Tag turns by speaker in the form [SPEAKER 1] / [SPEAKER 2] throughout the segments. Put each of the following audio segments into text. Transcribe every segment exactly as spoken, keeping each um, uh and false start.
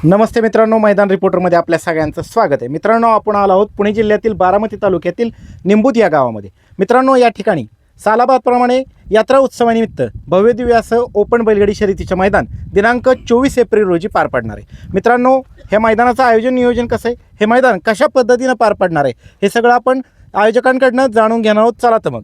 [SPEAKER 1] नमस्ते मित्रांनो, मैदान रिपोर्टरमध्ये आपल्या सगळ्यांचं स्वागत आहे. मित्रांनो, आपण आलो आहोत पुणे जिल्ह्यातील बारामती तालुक्यातील निंबूत या गावामध्ये. मित्रांनो, या ठिकाणी सालाबादप्रमाणे यात्रा उत्सवानिमित्त भव्यदिव्य असं ओपन बैलगाडी शर्यतीचं मैदान दिनांक चोवीस एप्रिल रोजी पार पडणार आहे. मित्रांनो, हे मैदानाचं आयोजन नियोजन कसं आहे, हे मैदान कशा पद्धतीनं पार पडणार आहे, हे सगळं आपण आयोजकांकडनं जाणून घेणार आहोत. चला तर मग.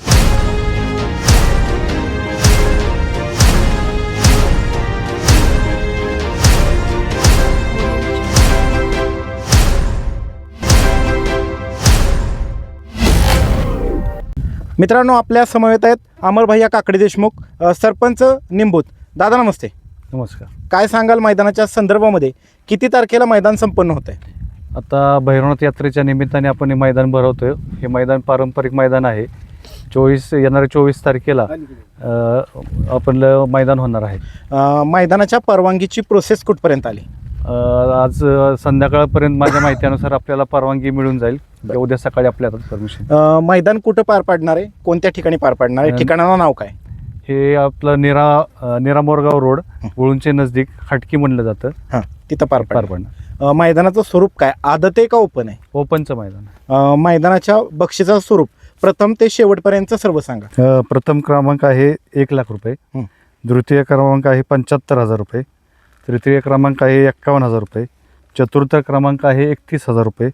[SPEAKER 1] मित्रांनो, आपल्या समवेत आहेत अमरभैया काकडे देशमुख, अ, सरपंच निंबूत. दादा नमस्ते.
[SPEAKER 2] नमस्कार.
[SPEAKER 1] काय सांगाल मैदानाच्या संदर्भामध्ये, किती तारखेला मैदान संपन्न होत आहे?
[SPEAKER 2] आता भैरवनाथ यात्रेच्या निमित्ताने आपण हे मैदान भरवतोय. हे मैदान पारंपरिक मैदान आहे. चोवीस येणाऱ्या चोवीस तारखेला अ, आपलं मैदान होणार आहे.
[SPEAKER 1] अ, मैदानाच्या परवानगीची प्रोसेस कुठपर्यंत आली?
[SPEAKER 2] अ, आज संध्याकाळपर्यंत माझ्या माहितीनुसार आपल्याला परवानगी मिळून जाईल. उद्या सकाळी आपल्या हातात परमिशन.
[SPEAKER 1] अ, मैदान कुठं पार पाडणार आहे, कोणत्या ठिकाणी पार पाडणार आहे, ठिकाणाचं नाव काय?
[SPEAKER 2] हे आपलं निरा अ, निरा मोरगाव रोड, वळूंचे नजदीक खटकी म्हणलं जातं.
[SPEAKER 1] हां, तिथं पार
[SPEAKER 2] पार
[SPEAKER 1] पाडणार.
[SPEAKER 2] पडणार.
[SPEAKER 1] अ, मैदानाचं स्वरूप काय, आदत आहे का ओपन आहे?
[SPEAKER 2] ओपनचं मैदान.
[SPEAKER 1] अ, मैदानाच्या बक्षिसाचं स्वरूप प्रथम ते शेवटपर्यंत सर्व सांगा.
[SPEAKER 2] अ, प्रथम क्रमांक आहे एक लाख रुपये.
[SPEAKER 1] हं.
[SPEAKER 2] द्वितीय क्रमांक आहे पंच्याहत्तर हजार रुपये. तृतीय क्रमांक आहे एक्कावन्न हजार रुपये. चतुर्थ क्रमांक आहे एकतीस हजार रुपये.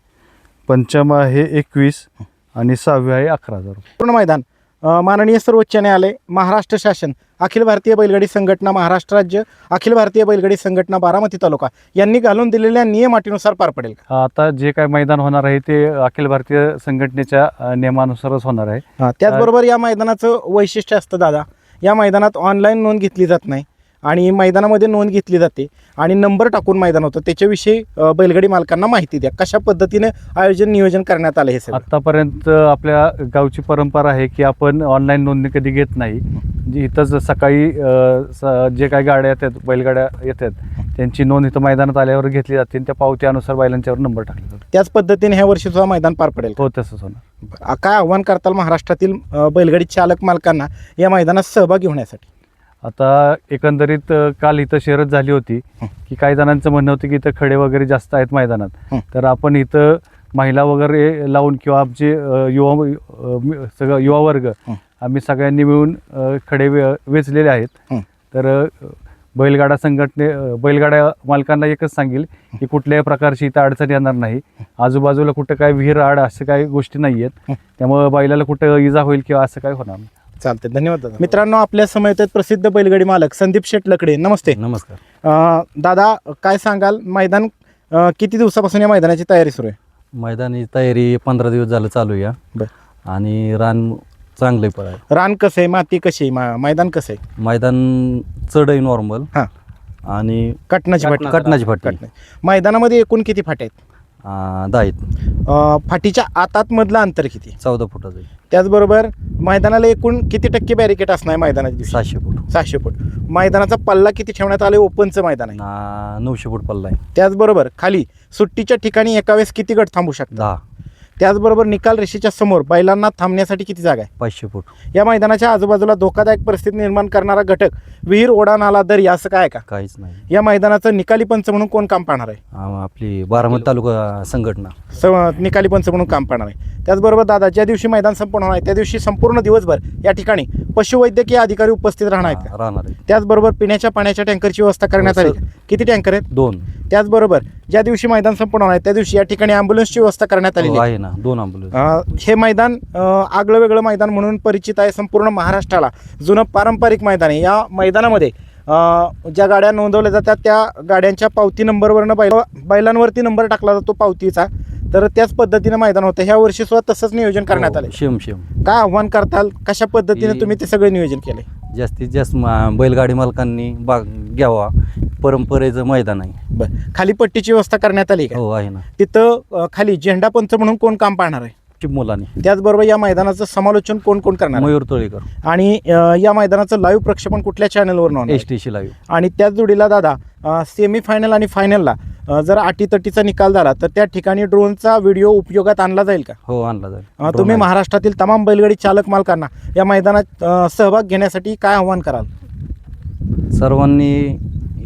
[SPEAKER 2] पंचम आहे एकवीस आणि सहावे आहे अकरा हजार रुपये.
[SPEAKER 1] पूर्ण मैदान अ, माननीय सर्वोच्च न्यायालय, महाराष्ट्र शासन, अखिल भारतीय बैलगाडी संघटना महाराष्ट्र राज्य, अखिल भारतीय बैलगाडी संघटना बारामती तालुका यांनी घालून दिलेल्या नियम अटीनुसार पार पडेल का?
[SPEAKER 2] आता जे काय मैदान होणार आहे ते अखिल भारतीय संघटनेच्या अ, नियमानुसारच होणार आहे.
[SPEAKER 1] हां, त्याचबरोबर या मैदानाचं वैशिष्ट्य असतं दादा, या मैदानात ऑनलाईन नोंद घेतली जात नाही आणि मैदानामध्ये नोंद घेतली जाते आणि नंबर टाकून मैदान होतं. त्याच्याविषयी अ, बैलगाडी मालकांना माहिती द्या, कशा पद्धतीने आयोजन नियोजन करण्यात आलं हे सगळं.
[SPEAKER 2] आत्तापर्यंत आपल्या गावची परंपरा आहे की आपण ऑनलाईन नोंदणी कधी घेत नाही. म्हणजे इथंच सकाळी अ, स- जे काही गाड्या येतात, बैलगाड्या येतात, त्यांची नोंद इथं मैदानात आल्यावर घेतली जाते आणि त्या पावत्यानुसार बैलांच्यावर नंबर टाकले जातात.
[SPEAKER 1] त्याच पद्धतीने ह्या वर्षी सुद्धा मैदान पार पडेल का?
[SPEAKER 2] हो, तसंच होणार.
[SPEAKER 1] आ- काय आव्हान करताल महाराष्ट्रातील अ, बैलगाडी चालक मालकांना या मैदानात सहभागी होण्यासाठी?
[SPEAKER 2] आता एकंदरीत अ, काल इथं शर्यत झाली होती की काही जणांचं म्हणणं होतं की इथं खडे वगैरे जास्त आहेत मैदानात,
[SPEAKER 1] हं.
[SPEAKER 2] तर आपण इथं महिला वगैरे लावून किंवा आमचे अ, युवा अ, मि- सगळं युवा वर्ग
[SPEAKER 1] हं.
[SPEAKER 2] आम्ही सगळ्यांनी मिळून अ, खडे वे वेचलेले आहेत.
[SPEAKER 1] हं.
[SPEAKER 2] तर अ, बैलगाडा संघटने अ, बैलगाड्या मालकांना एकच सांगेल की कुठल्याही प्रकारची इथं अडचण येणार नाही. आजूबाजूला कुठं काय विहीर आड असं काही गोष्टी नाही आहेत, त्यामुळे बैलाला कुठं इजा होईल किंवा असं काही होणार नाही.
[SPEAKER 1] चालते, धन्यवाद दादा. मित्रांनो, आपल्या समोर आहेत प्रसिद्ध बैलगाडी मालक संदीप शेठ लकडे. नमस्ते.
[SPEAKER 3] नमस्कार.
[SPEAKER 1] अ, दादा, काय सांगाल, मैदान अ, किती दिवसापासून या मैदानाची तयारी सुरू आहे?
[SPEAKER 3] मैदानी तयारी पंधरा दिवस झालं चालू आहे.
[SPEAKER 1] बर.
[SPEAKER 3] आणि रान चांगलं पण आहे.
[SPEAKER 1] रान कसं आहे, माती कशी आहे, मा- मैदान कसं आहे?
[SPEAKER 3] मैदान चढ आहे नॉर्मल.
[SPEAKER 1] हां.
[SPEAKER 3] आणि
[SPEAKER 1] कटनाची फाटी?
[SPEAKER 3] कटनाची फाटी.
[SPEAKER 1] कटना. मैदानामध्ये एकूण किती फाट्या आहेत?
[SPEAKER 3] अं, दहा आहेत.
[SPEAKER 1] अ, फाटीच्या आतात मधलं अंतर किती?
[SPEAKER 3] चौदा फुटाचं आहे.
[SPEAKER 1] त्याचबरोबर मैदानाला एकूण किती टक्के बॅरिकेट असणार आहे मैदानाच्या दिवशी?
[SPEAKER 3] सहाशे फूट.
[SPEAKER 1] सहाशे फूट. मैदानाचा पल्ला किती ठेवण्यात आले? ओपनचं मैदान आहे.
[SPEAKER 3] ना- नऊशे फूट पल्ला आहे.
[SPEAKER 1] त्याचबरोबर खाली सुट्टीच्या ठिकाणी एका वेळेस किती गट थांबू शकतात?
[SPEAKER 3] दहा.
[SPEAKER 1] त्याचबरोबर निकाल रेषेच्या समोर बैलांना थांबण्यासाठी किती जागा आहे?
[SPEAKER 3] पाचशे फूट.
[SPEAKER 1] या मैदानाच्या आजूबाजूला धोकादायक परिस्थिती निर्माण करणारा घटक, विहीर, ओढा, नाला, दरी असं काय आहे का?
[SPEAKER 3] काहीच नाही.
[SPEAKER 1] या मैदानाचं निकाली पंच म्हणून कोण काम पाहणार आहे?
[SPEAKER 3] अं, आपली बारामती तालुका संघटना.
[SPEAKER 1] स निकाली पंच म्हणून काम पाहणार आहे. त्याचबरोबर दादा, ज्या दिवशी मैदान संपूर्ण होणार आहे त्या दिवशी संपूर्ण दिवसभर या ठिकाणी पशुवैद्यकीय अधिकारी उपस्थित राहणार आहेत का?
[SPEAKER 3] राहणार आहे.
[SPEAKER 1] त्याचबरोबर पिण्याच्या पाण्याच्या टँकरची व्यवस्था करण्यात आली का? किती टँकर आहेत?
[SPEAKER 3] दोन.
[SPEAKER 1] त्याचबरोबर ज्या दिवशी मैदान संपूर्ण होणार आहे त्या दिवशी या ठिकाणी ॲम्ब्युलन्सची व्यवस्था करण्यात आलेली
[SPEAKER 3] हो,
[SPEAKER 1] आहे.
[SPEAKER 3] आहे ना, दोन अँब्युलन्स.
[SPEAKER 1] अ, हे मैदान अ, आगळं वेगळं मैदान म्हणून परिचित आहे संपूर्ण महाराष्ट्राला. जुनं पारंपरिक मैदान आहे. या मैदानामध्ये अ, ज्या गाड्या नोंदवल्या जातात त्या गाड्यांच्या पावती नंबरवरनं बैल बैलांवरती नंबर टाकला जातो पावतीचा. तर त्याच पद्धतीनं मैदान होतं. ह्या वर्षी सुद्धा तसंच नियोजन करण्यात आलं.
[SPEAKER 3] शेम शेम.
[SPEAKER 1] काय आव्हान करताल, कशा पद्धतीने
[SPEAKER 3] की-
[SPEAKER 1] तुम्ही ते सगळे नियोजन केले?
[SPEAKER 3] जास्तीत जास्त मा- बैलगाडी मालकांनी भाग घ्यावा. परंपरेचं मैदान आहे.
[SPEAKER 1] बरं, खाली पट्टीची व्यवस्था करण्यात आली का?
[SPEAKER 3] हो, आहे ना.
[SPEAKER 1] तिथं अ, खाली झेंडा पंच म्हणून कोण काम पाहणार आहे?
[SPEAKER 3] मुलांनी.
[SPEAKER 1] त्याचबरोबर या मैदानाचं समालोचन कोण कोण करणार आहे?
[SPEAKER 3] मयूर तळेकर.
[SPEAKER 1] आणि अ, या मैदानाचं लाईव्ह प्रक्षेपण कुठल्या चॅनलवर होणार
[SPEAKER 3] एस
[SPEAKER 1] आहे?
[SPEAKER 3] टी शी लाईव्ह.
[SPEAKER 1] आणि त्याच जोडीला दादा, सेमी फायनल आणि फायनलला जर अटीतटीचा निकाल झाला तर त्या ठिकाणी ड्रोनचा व्हिडिओ उपयोगात आणला जाईल का?
[SPEAKER 3] हो, आणला जाईल.
[SPEAKER 1] अ, तुम्ही महाराष्ट्रातील तमाम बैलगाडी चालक मालकांना या मैदानात अ, सहभाग घेण्यासाठी काय आव्हान कराल?
[SPEAKER 3] सर्वांनी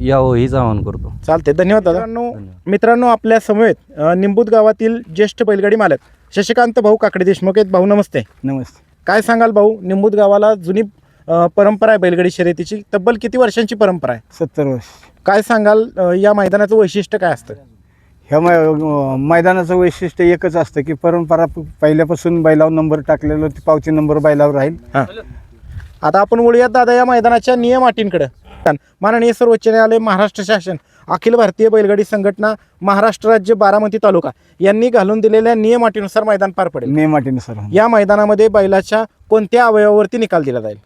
[SPEAKER 3] यावं हीच आवाहन करतो.
[SPEAKER 1] चालते, धन्यवाद दादा. मित्रांनो
[SPEAKER 3] धन्यवाद.
[SPEAKER 1] मित्रांनो आपल्या समवेत अ, निंबूत गावातील ज्येष्ठ बैलगाडी मालक शशिकांत भाऊ काकडे देशमुख आहेत. भाऊ नमस्ते.
[SPEAKER 4] नमस्ते.
[SPEAKER 1] काय सांगाल भाऊ, निंबूत गावाला जुनी अ, परंपरा आहे बैलगाडी शर्यतीची, तब्बल किती वर्षांची परंपरा आहे?
[SPEAKER 4] सत्तर वर्ष.
[SPEAKER 1] काय सांगाल अ, या मैदानाचं वैशिष्ट्य काय असतं?
[SPEAKER 4] ह्या मै मैदानाचं वैशिष्ट्य एकच असतं की परंपरा प- पहिल्यापासून बैलावर नंबर टाकलेलं, ती पावती नंबर बैलावर राहील.
[SPEAKER 1] हां, आता आपण वळूयात दादा या मैदानाच्या नियम अटींकडे. माननीय सर्वोच्च न्यायालय, महाराष्ट्र शासन, अखिल भारतीय बैलगाडी संघटना, महाराष्ट्र राज्य, बारामती तालुका यांनी घालून दिलेल्या नियम अटीनुसार मैदान पार पडेल.
[SPEAKER 4] नियमाटीनुसार.
[SPEAKER 1] या मैदानामध्ये बैलाच्या कोणत्या अवयवावरती निकाल दिला जाईल?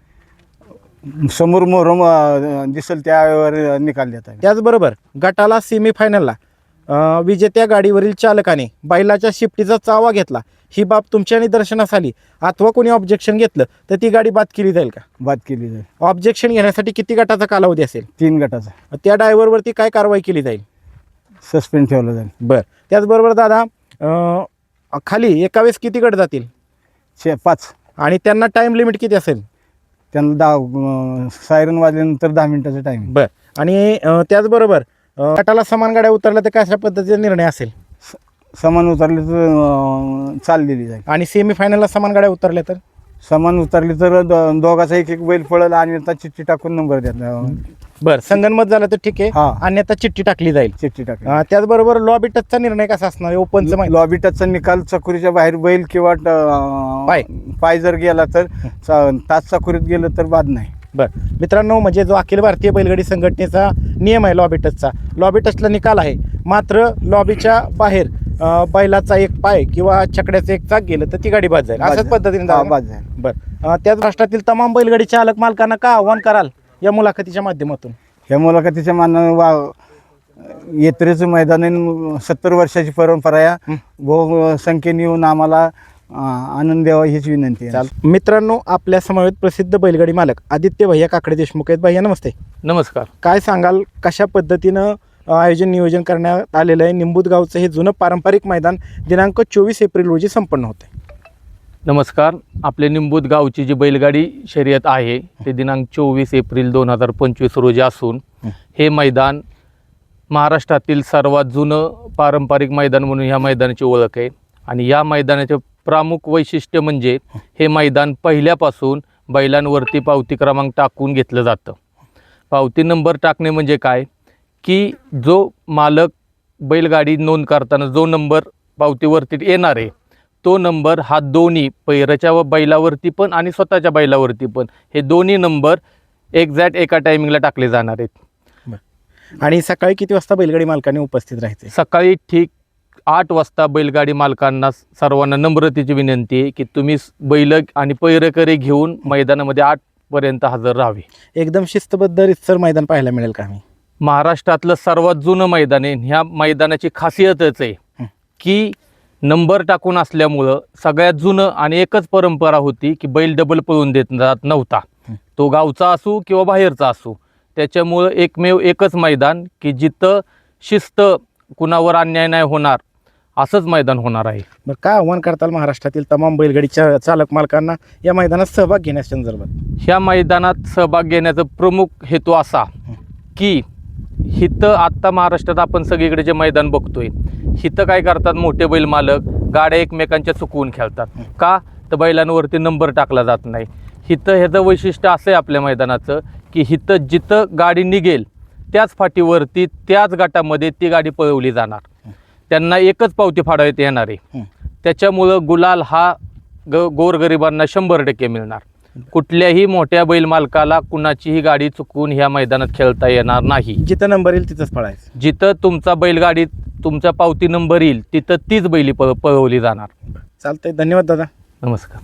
[SPEAKER 4] समोर मोहरम अ, दिसेल त्यावर निकाल देता येईल.
[SPEAKER 1] त्याचबरोबर गटाला सेमीफायनलला अ, विजेत्या गाडीवरील चालकाने बैलाच्या शिफ्टीचा चावा घेतला, ही बाब तुमच्या निदर्शनास आली अथवा कोणी ऑब्जेक्शन घेतलं तर ती गाडी बाद केली जाईल का?
[SPEAKER 4] बाद केली जाईल.
[SPEAKER 1] ऑब्जेक्शन घेण्यासाठी किती गटाचा कालावधी असेल?
[SPEAKER 4] तीन गटाचा
[SPEAKER 1] त्या ड्रायव्हरवरती काय कारवाई केली जाईल?
[SPEAKER 4] सस्पेंड ठेवलं जाईल.
[SPEAKER 1] बरं, त्याचबरोबर दादा अ, खाली एका वेळेस किती गट जातील
[SPEAKER 4] शे पाच.
[SPEAKER 1] आणि त्यांना टाईम लिमिट किती असेल?
[SPEAKER 4] त्यांना दहा सायरन वाजल्यानंतर दहा मिनिटाचा टाईम.
[SPEAKER 1] बरं, आणि अ, त्याचबरोबर अ, गटाला समान गाड्या उतरल्या तर कशा पद्धतीचा निर्णय असेल?
[SPEAKER 4] समान उतरले तर अ, चाल दिली जाईल.
[SPEAKER 1] आणि सेमीफायनलला समान गाड्या उतरल्या तर?
[SPEAKER 4] समान उतरली तर दो- दोघाचा एक एक बैल पळल आणि आता चिठ्ठी टाकून नंबर द्या.
[SPEAKER 1] बरं, संगनमत झालं तर ठीक आहे,
[SPEAKER 4] हा.
[SPEAKER 1] अन्यथा चिठ्ठी टाकली जाईल.
[SPEAKER 4] चिठ्ठी टाकली.
[SPEAKER 1] अ, त्याचबरोबर लॉबी टचचा निर्णय कसा असणार आहे? ओपनचं माहिती
[SPEAKER 4] लॉबी टचचा निकाल चकुरीच्या बाहेर बैल किंवा अ,
[SPEAKER 1] पाय.
[SPEAKER 4] पाय जर गेला तर च- तास चकुरीत गेलं तर बाद नाही.
[SPEAKER 1] बरं मित्रांनो, म्हणजे जो अखिल भारतीय बैलगाडी संघटनेचा नियम आहे लॉबी टचचा, लॉबी टचला निकाल आहे, मात्र लॉबीच्या बाहेर अ, बैलाचा एक पाय किंवा छकड्याचं एक चाक गेलं तर ती गाडी बाद जाईल.
[SPEAKER 4] बाद
[SPEAKER 1] अशाच
[SPEAKER 4] जाईल.
[SPEAKER 1] पद्धतीने
[SPEAKER 4] हा,
[SPEAKER 1] जाईल ना?
[SPEAKER 4] बाद जाईल.
[SPEAKER 1] बरं, अ, त्याच राष्ट्रातील तमाम बैलगाडी चालक मालकांना का आव्हान कराल या मुलाखतीच्या माध्यमातून?
[SPEAKER 4] ह्या मुलाखतीच्या मानानं वा यात्रेचं मैदान आहे, सत्तर वर्षाची परंपरा आहे. बहु संख्येने येऊन आम्हाला अ, आनंद द्यावा हीच विनंती आहे.
[SPEAKER 1] चाल मित्रांनो, आपल्या समवेत प्रसिद्ध बैलगाडी मालक आदित्य भैया काकडे देशमुख आहेत. भैया नमस्ते.
[SPEAKER 5] नमस्कार.
[SPEAKER 1] काय सांगाल, कशा पद्धतीनं अ, आयोजन नियोजन करण्यात आलेलं आहे? निंबूत गावचं हे जुनं पारंपरिक मैदान दिनांक चोवीस एप्रिल रोजी संपन्न होते.
[SPEAKER 5] नमस्कार. आपले निंबूत गावची जी बैलगाडी शर्यत आहे ते दिनांक चोवीस एप्रिल दोन हजार पंचवीस रोजी असून हे मैदान महाराष्ट्रातील सर्वात जुनं पारंपरिक मैदान म्हणून ह्या मैदानाची ओळख आहे. आणि या मैदानाचे प्रमुख वैशिष्ट्य म्हणजे हे मैदान पहिल्यापासून बैलांवरती पावती क्रमांक टाकून घेतलं जातं. पावती नंबर टाकणे म्हणजे काय की जो मालक बैलगाडी नोंद करताना जो नंबर पावतीवरती येणार आहे तो नंबर हा दोन्ही पैराच्या व बैलावरती पण आणि स्वतःच्या बैलावरती पण हे दोन्ही नंबर एक्झॅक्ट एका टायमिंगला टाकले जाणार आहेत.
[SPEAKER 1] आणि सकाळी किती वाजता बैलगाडी मालकांनी उपस्थित राहायचे?
[SPEAKER 5] सकाळी ठीक आठ वाजता बैलगाडी मालकांना सर्वांना नम्रतेची विनंती आहे की तुम्ही बैल आणि पैरकरी घेऊन मैदानामध्ये आठपर्यंत हजर राहावे.
[SPEAKER 1] एकदम शिस्तबद्ध रितसर मैदान पाहायला मिळेल का? आम्ही
[SPEAKER 5] महाराष्ट्रातलं सर्वात जुनं मैदान आहे. ह्या मैदानाची खासियतच आहे की नंबर टाकून असल्यामुळं सगळ्यात जुनं आणि एकच परंपरा होती की बैल डबल पळून देत जात नव्हता, तो गावचा असू किंवा बाहेरचा असू. त्याच्यामुळं एकमेव एकच मैदान की जिथं शिस्त, कुणावर अन्याय नाही होणार असंच मैदान होणार आहे.
[SPEAKER 1] बरं, काय आव्हान करताल महाराष्ट्रातील तमाम बैलगाडीच्या चालक मालकांना या मैदानात सहभाग घेण्याच्या संदर्भात?
[SPEAKER 5] ह्या मैदानात सहभाग घेण्याचा प्रमुख हेतू असा की हिथं आत्ता महाराष्ट्रात आपण सगळीकडे जे मैदान बघतोय हिथं काय करतात मोठे बैल मालक, गाड्या एकमेकांच्या चुकवून खेळतात. का तर बैलांवरती नंबर टाकला जात नाही. हिथं ह्याचं वैशिष्ट्य असं आहे आपल्या मैदानाचं की हिथं जिथं गाडी निघेल त्याच फाटीवरती त्याच गटामध्ये ती गाडी पळवली जाणार. त्यांना एकच पावती फाडवता येणार आहे. त्याच्यामुळं गुलाल हा ग गोरगरिबांना शंभर टक्के मिळणार. कुठल्याही मोठ्या बैल मालकाला कुणाचीही गाडी चुकवून ह्या मैदानात खेळता येणार नाही.
[SPEAKER 1] जिथं नंबर येईल तिथंच पळायचं.
[SPEAKER 5] जिथं तुमचा बैलगाडीत तुमचा पावती नंबर येईल तिथं तीच बैली पळ पळवली जाणार.
[SPEAKER 1] चालतंय, धन्यवाद दादा.
[SPEAKER 5] नमस्कार.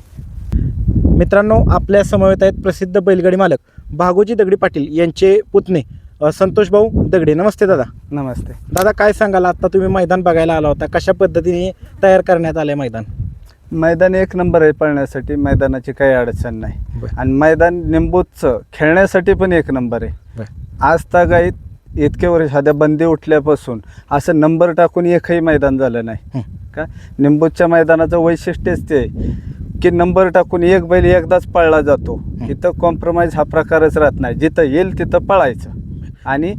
[SPEAKER 1] मित्रांनो, आपल्या समवेत आहेत प्रसिद्ध बैलगाडी मालक भागोजी दगडी पाटील यांचे पुतणे अ, संतोष भाऊ दगडे. नमस्ते दादा.
[SPEAKER 4] नमस्ते.
[SPEAKER 1] दादा, काय सांगाल, आता तुम्ही मैदान बघायला आला होता, कशा पद्धतीने तयार करण्यात आले मैदान?
[SPEAKER 6] मैदान एक नंबर आहे पळण्यासाठी, मैदानाची काही अडचण नाही.
[SPEAKER 1] बरं.
[SPEAKER 6] आणि मैदान निंबूतचं खेळण्यासाठी पण एक नंबर आहे.
[SPEAKER 1] बरं.
[SPEAKER 6] आज तागायत इतके वर्ष सध्या बंदी उठल्यापासून असं नंबर टाकून एकही मैदान झालं नाही. का निंबूतच्या मैदानाचं वैशिष्ट्यच ते आहे की नंबर टाकून एक बैल एकदाच पळला जातो. इथं कॉम्प्रोमाइज हा प्रकारच राहत नाही. जिथं येईल तिथं पळायचं आणि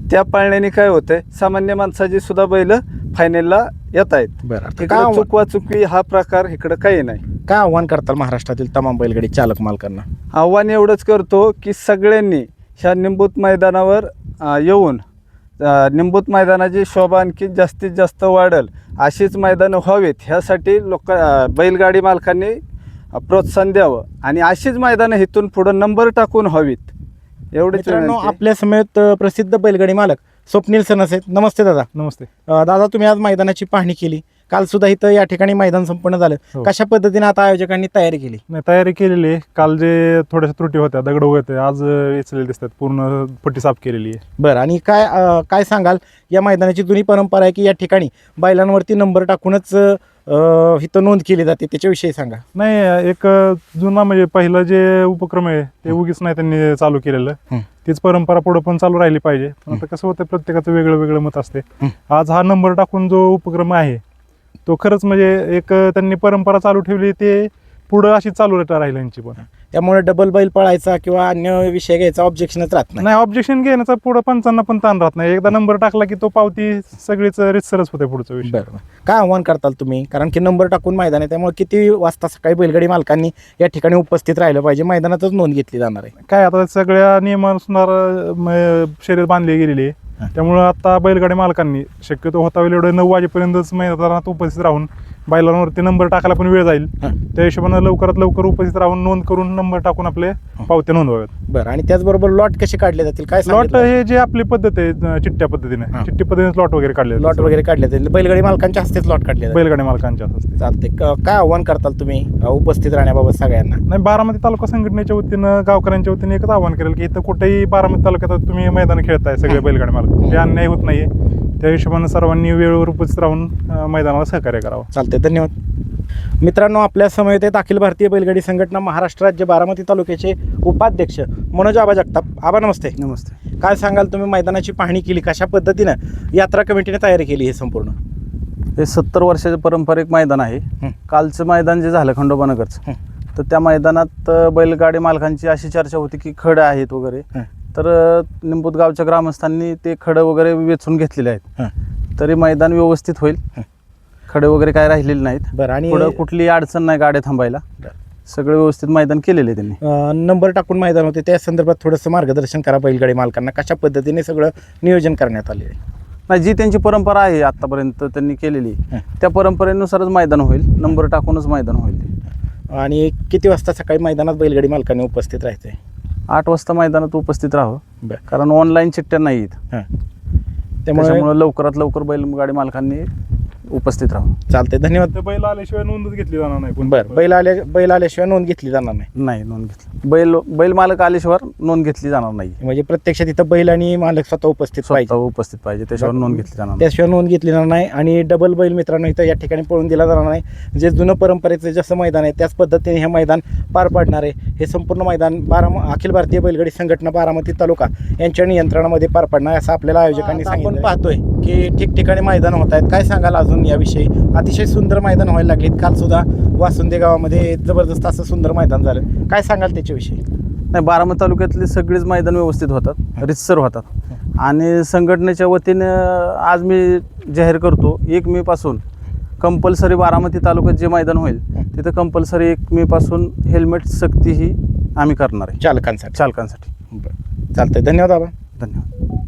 [SPEAKER 6] त्या पाळण्याने काय होतंय, सामान्य माणसाची सुद्धा बैल फायनलला येत आहेत.
[SPEAKER 1] बरं आता
[SPEAKER 6] इकडे
[SPEAKER 1] काय आव्हान-
[SPEAKER 6] चुकवा चुकवी हा प्रकार इकडं काही नाही.
[SPEAKER 1] काय आव्हान करताल महाराष्ट्रातील तमाम बैलगाडी चालक मालकांना?
[SPEAKER 6] आव्हान एवढंच करतो की सगळ्यांनी ह्या निंबूत मैदानावर अ, येऊन अ, निंबूत मैदानाची शोभा आणखी जास्तीत जास्त वाढेल अशीच मैदानं व्हावीत, ह्यासाठी लोक अ, बैलगाडी मालकांनी अ, प्रोत्साहन द्यावं आणि अशीच मैदानं इथून पुढं नंबर टाकून व्हावीत एवढेच
[SPEAKER 1] मित्रांनो,
[SPEAKER 6] विनंती आहे.
[SPEAKER 1] आपल्या समेत अ, प्रसिद्ध बैलगाडी मालक स्वप्नील सनस आहेत. नमस्ते दादा.
[SPEAKER 2] नमस्ते.
[SPEAKER 1] अ, दादा, तुम्ही आज मैदानाची पाहणी केली. काल सुद्धा इथं या ठिकाणी मैदान संपन्न झालं.
[SPEAKER 2] हो.
[SPEAKER 1] कशा पद्धतीने आता आयोजकांनी तयारी केली?
[SPEAKER 2] नाही, तयारी केलेली आहे. काल जे थोड्याशा त्रुटी होत्या, दगड होते, आज वेचलेले दिसतात, पूर्ण पट्टी साफ केलेली आहे.
[SPEAKER 1] बरं, आणि काय अ, काय सांगाल, या मैदानाची जुनी परंपरा आहे की या ठिकाणी बैलांवरती नंबर टाकूनच अ, इथं नोंद केली जाते, त्याच्याविषयी सांगा.
[SPEAKER 2] नाही, एक जुना म्हणजे पहिलं जे उपक्रम आहे ते उगीच नाही त्यांनी चालू केलेलं.
[SPEAKER 1] हं.
[SPEAKER 2] तीच परंपरा पुढे पण चालू राहिली पाहिजे. पण आता कसं होतं, प्रत्येकाचं वेगळं वेगळं मत असते.
[SPEAKER 1] हं.
[SPEAKER 2] आज हा नंबर टाकून जो उपक्रम आहे तो खरंच म्हणजे एक त्यांनी परंपरा चालू ठेवली, ते पुढं अशी चालू राहील यांची पण.
[SPEAKER 1] त्यामुळे डबल बैल पळायचा किंवा अन्य विषय घ्यायचा ऑब्जेक्शनच राहत नाही.
[SPEAKER 2] नाही, ऑब्जेक्शन घेण्याचा पुढं पंचांना पण ताण राहत नाही. एकदा नंबर टाकला की तो पावती सगळीच रितसरच होते पुढचा विषय.
[SPEAKER 1] बरं, काय आव्हान करताल तुम्ही? कारण की नंबर टाकून मैदान आहे, त्यामुळे किती वाजता सकाळी बैलगाडी मालकांनी या ठिकाणी उपस्थित राहिलं पाहिजे, मैदानातच नोंद घेतली जाणार आहे.
[SPEAKER 2] काय आता सगळ्या नियमानुसार म, शर्यत बांधली गेलेली आहे. त्यामुळं आता बैलगाडी मालकांनी शक्यतो होता वेळ एवढं नऊ वाजेपर्यंतच मैदानात उपस्थित राहून बैलांवरती नंबर टाकायला पण वेळ जाईल,
[SPEAKER 1] हां.
[SPEAKER 2] त्या हिशोबानं लवकरात लवकर उपस्थित राहून नोंद करून नंबर टाकून आपले पावत्या नोंदवाव्यात.
[SPEAKER 1] बरं, आणि त्याचबरोबर लॉट कसे काढले जातील, काय
[SPEAKER 2] लॉट
[SPEAKER 1] सांगितलं?
[SPEAKER 2] हे जे आपली पद्धत आहे अं, चिठ्ठ्या पद्धतीने
[SPEAKER 1] हां.
[SPEAKER 2] चिठ्ठी पद्धतीने लॉट वगैरे काढले
[SPEAKER 1] लॉट वगैरे काढले जातील, बैलगाडी मालकांच्या हस्तेच लॉट काढले जातील.
[SPEAKER 2] बैलगाडी मालकांच्या असते.
[SPEAKER 1] चालते. काय आव्हान करताल तुम्ही अ, उपस्थित राहण्याबाबत सगळ्यांना?
[SPEAKER 2] नाही, बारामती तालुका संघटनेच्या वतीनं गावकऱ्यांच्या वतीने एकच आवाहन करेल की इथं कुठेही बारामती तालुक्यात तुम्ही मैदान खेळताय सगळे बैलगाडी मालक, ते अन्याय होत नाहीये. त्या हिशोबानं सर्वांनी वेळेवर उपस्थित राहून अं, मैदानाला सहकार्य करावं.
[SPEAKER 1] चालते, धन्यवाद. मित्रांनो, आपल्या समवेत आहेत अखिल भारतीय बैलगाडी संघटना महाराष्ट्र राज्य बारामती तालुक्याचे उपाध्यक्ष मनोज आबा जगताप. आबा नमस्ते.
[SPEAKER 4] नमस्ते.
[SPEAKER 1] काय सांगाल, तुम्ही मैदानाची पाहणी केली, कशा पद्धतीनं यात्रा कमिटीने तयारी केली हे संपूर्ण?
[SPEAKER 3] हे सत्तर वर्षाचं पारंपरिक मैदान आहे.
[SPEAKER 1] हं.
[SPEAKER 3] कालचं मैदान जे झालं खंडोबा नगरचं,
[SPEAKER 1] हं.
[SPEAKER 3] तर त्या मैदानात अ, बैलगाडी मालकांची अशी चर्चा होती की खडं आहेत वगैरे.
[SPEAKER 1] हं.
[SPEAKER 3] तर अ, निंबूत गावच्या ग्रामस्थांनी ते खडं वगैरे वेचून घेतलेले आहेत.
[SPEAKER 1] हं.
[SPEAKER 3] तरी मैदान व्यवस्थित होईल.
[SPEAKER 1] हं.
[SPEAKER 3] खडे वगैरे काय राहिलेले नाहीत.
[SPEAKER 1] बरं, आणि
[SPEAKER 3] पुढं कुठली अडचण नाही गाड्या थांबायला.
[SPEAKER 1] बरं.
[SPEAKER 3] सगळं व्यवस्थित मैदान केलेले त्यांनी.
[SPEAKER 1] अ, नंबर टाकून मैदान होते, त्या संदर्भात थोडंसं मार्गदर्शन करा बैलगाडी मालकांना, कशा पद्धतीने सगळं नियोजन करण्यात आले आहे?
[SPEAKER 3] नाही, जी त्यांची परंपरा आहे आतापर्यंत त्यांनी केलेली,
[SPEAKER 1] हं.
[SPEAKER 3] त्या परंपरेनुसारच मैदान होईल. नंबर टाकूनच मैदान होईल ते.
[SPEAKER 1] आणि किती वाजता सकाळी मैदानात बैलगाडी मालकांनी उपस्थित राहायचं आहे?
[SPEAKER 3] आठ वाजता मैदानात उपस्थित राहावं,
[SPEAKER 1] बरं.
[SPEAKER 3] कारण ऑनलाईन चिठ्ठ्या नाही आहेत.
[SPEAKER 1] हां, त्यामुळे
[SPEAKER 3] त्यामुळे लवकरात लवकर बैलगाडी मालकांनी उपस्थित राहावं.
[SPEAKER 1] चालते, धन्यवाद.
[SPEAKER 2] तर बैल आल्याशिवाय नोंदच घेतली जाणार नाही. पण
[SPEAKER 1] बरं, बैल आले बैल आल्याशिवाय नोंद घेतली जाणार नाही,
[SPEAKER 3] नाही नोंद घेतली. बैल बैल मालक आल्याशिवाय नोंद घेतली जाणार नाही.
[SPEAKER 1] म्हणजे प्रत्यक्षात इथं बैल आणि मालक स्वतः उपस्थित
[SPEAKER 3] स्वतः
[SPEAKER 1] पाहिजे,
[SPEAKER 3] उपस्थित पाहिजे, त्याच्यावर नोंद घेतली जाणार नाही.
[SPEAKER 1] त्याशिवाय नोंद घेतली जाणार नाही. आणि डबल बैल मित्रांनो इथं या ठिकाणी पळून दिला जाणार नाही. जे जुनं परंपरेचं जसं मैदान आहे त्याच पद्धतीने हे मैदान पार पाडणार आहे. हे संपूर्ण मैदान बाराम अखिल भारतीय बैलगाडी संघटना बारामती तालुका यांच्या नियंत्रणामध्ये पार पाडणार आहे, असं आपल्याला आयोजकांनी सांगितलं. आपण पाहतोय की ठिकठिकाणी मैदान होत आहेत. काय सांगाल अजून याविषयी? अतिशय सुंदर मैदान व्हायला लागलीत. काल सुद्धा वासुंदे गावामध्ये जबरदस्त असं सुंदर मैदान झालं. काय सांगाल त्याच्याविषयी?
[SPEAKER 3] नाही, बारामती तालुक्यातले सगळेच मैदान व्यवस्थित होतात, रितसर होतात. आणि संघटनेच्या वतीनं आज मी जाहीर करतो, एक मे पासून कंपल्सरी बारामती तालुक्यात जे मैदान होईल तिथं कंपल्सरी एक मे पासून हेल्मेट सक्ती ही आम्ही करणार आहे
[SPEAKER 1] चालकांसाठी.
[SPEAKER 3] चालकांसाठी.
[SPEAKER 1] बरं, चालतंय. धन्यवाद आबा.
[SPEAKER 3] धन्यवाद.